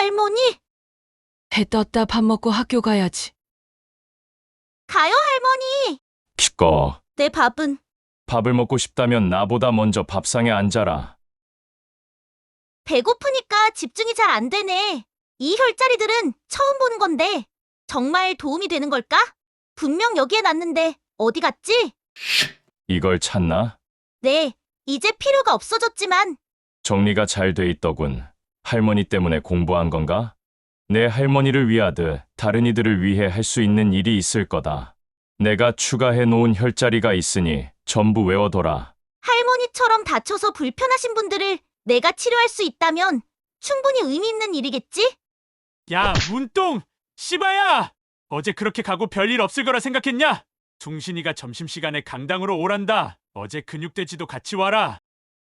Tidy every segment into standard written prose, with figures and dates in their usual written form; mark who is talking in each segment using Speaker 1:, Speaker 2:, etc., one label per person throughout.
Speaker 1: 할머니?
Speaker 2: 해 떴다. 밥 먹고 학교 가야지.
Speaker 1: 가요, 할머니.
Speaker 3: 기꺼.
Speaker 1: 내 밥은.
Speaker 3: 밥을 먹고 싶다면 나보다 먼저 밥상에 앉아라.
Speaker 1: 배고프니까 집중이 잘 안 되네. 이 혈자리들은 처음 보는 건데 정말 도움이 되는 걸까? 분명 여기에 놨는데 어디 갔지?
Speaker 3: 이걸 찾나?
Speaker 1: 네, 이제 필요가 없어졌지만
Speaker 3: 정리가 잘 돼 있더군. 할머니 때문에 공부한 건가? 내 할머니를 위하듯 다른 이들을 위해 할 수 있는 일이 있을 거다. 내가 추가해 놓은 혈자리가 있으니 전부 외워둬라.
Speaker 1: 할머니처럼 다쳐서 불편하신 분들을 내가 치료할 수 있다면 충분히 의미 있는 일이겠지?
Speaker 4: 야, 문똥! 씨바야! 어제 그렇게 가고 별일 없을 거라 생각했냐? 숭신이가 점심시간에 강당으로 오란다. 어제 근육돼지도 같이 와라.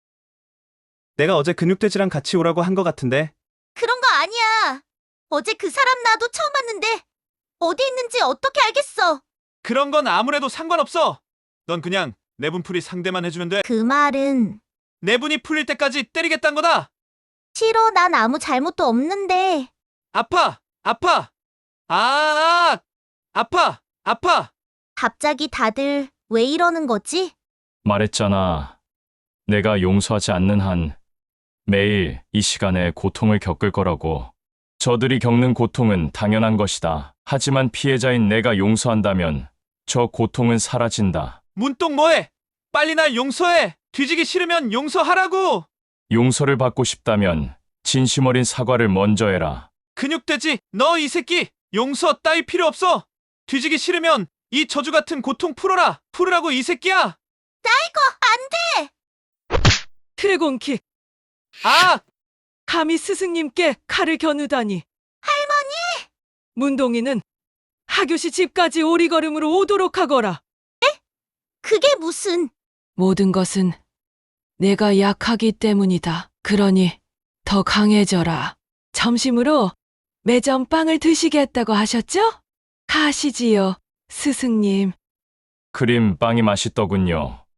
Speaker 5: 내가 어제 근육돼지랑 같이 오라고 한 거 같은데.
Speaker 1: 그런 거 아니야. 어제 그 사람 나도 처음 봤는데 어디 있는지 어떻게 알겠어?
Speaker 5: 그런 건 아무래도 상관없어. 넌 그냥 내분풀이 상대만 해주면 돼.
Speaker 1: 그 말은
Speaker 5: 내분이 풀릴 때까지 때리겠다는 거다.
Speaker 1: 싫어, 난 아무 잘못도 없는데.
Speaker 5: 아파! 아파! 아! 아파! 아파!
Speaker 1: 갑자기 다들 왜 이러는 거지?
Speaker 3: 말했잖아. 내가 용서하지 않는 한 매일 이 시간에 고통을 겪을 거라고. 저들이 겪는 고통은 당연한 것이다. 하지만 피해자인 내가 용서한다면 저 고통은 사라진다.
Speaker 5: 문똥 뭐해? 빨리 날 용서해! 뒤지기 싫으면 용서하라고!
Speaker 3: 용서를 받고 싶다면 진심 어린 사과를 먼저 해라.
Speaker 5: 근육돼지, 너 이 새끼! 용서 따위 필요 없어! 뒤지기 싫으면 이 저주 같은 고통 풀어라! 풀으라고 이 새끼야!
Speaker 1: 안 돼!
Speaker 2: 드래곤킥.
Speaker 5: 아!
Speaker 2: 감히 스승님께 칼을 겨누다니.
Speaker 1: 할머니!
Speaker 2: 문동이는 하교시 집까지 오리걸음으로 오도록 하거라.
Speaker 1: 그게 무슨...
Speaker 2: 모든 것은 내가 약하기 때문이다. 그러니 더 강해져라. 점심으로 매점 빵을 드시겠다고 하셨죠? 가시지요, 스승님.
Speaker 3: 크림 빵이 맛있더군요.